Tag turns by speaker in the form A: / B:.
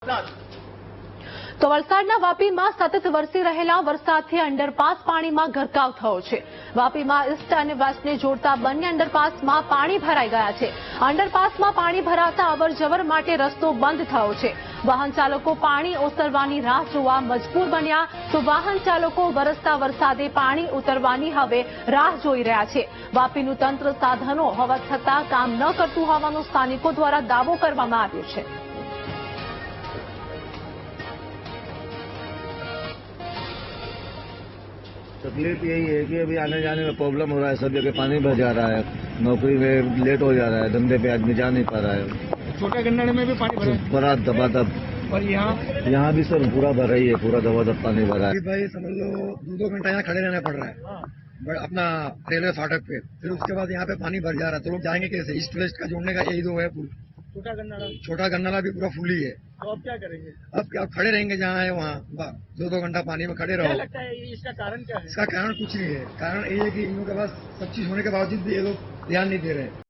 A: તો વલસાડના વાપીમાં સતત વરસી રહેલા વરસાદથી અંડરપાસ પાણીમાં ગરકાવ થયો છે। વાપીમાં ઈસ્ટ અને વેસ્ટને જોડતા બંને અંડરપાસમાં પાણી ભરાઈ ગયા છે। અંડરપાસમાં પાણી ભરાતા અવરજવર માટે રસ્તો બંધ થયો છે। વાહન ચાલકો પાણી ઓસરવાની રાહ જોવા મજબૂર બન્યા તો વાહન ચાલકો વરસતા વરસાદે પાણી ઉતરવાની હવે રાહ જોઈ રહ્યા છે। વાપીનું તંત્ર સાધનો હોવા છતાં કામ ન કરતું હોવાનો સ્થાનિકો દ્વારા દાવો કરવામાં આવ્યો છે।
B: तकलीफ यही है कि अभी आने जाने में प्रॉब्लम हो रहा है। सब जगह पानी भर जा रहा है, नौकरी में लेट हो जा रहा है, धंधे पे आदमी जा नहीं पा रहा है।
C: छोटा गन्नाड़े में भी पानी भरा है
B: बड़ा दबादब।
C: और
B: यहाँ भी सर पूरा भरा ही है, पूरा दबादब पानी भरा है।
D: भाई समझ लो 2 घंटा यहाँ खड़े रहना पड़ रहा है अपना रेलवे फाटक पे। फिर उसके बाद यहाँ पे पानी भर जा रहा है, तो लोग जाएंगे कैसे? ईस्ट वेस्ट का जोड़ने का यही दो है पुल। छोटा गन्नाला भी पूरा फुल ही है।
C: तो अब क्या करेंगे?
D: अब क्या खड़े रहेंगे जहाँ है वहाँ 2 घंटा पानी में खड़े
C: क्या
D: रहो।
C: लगता है इसका कारण क्या है?
D: इसका कारण कुछ नहीं है। कारण ये है कि इन लोगों के पास सब चीज होने के बावजूद भी ये लोग ध्यान नहीं दे रहे हैं।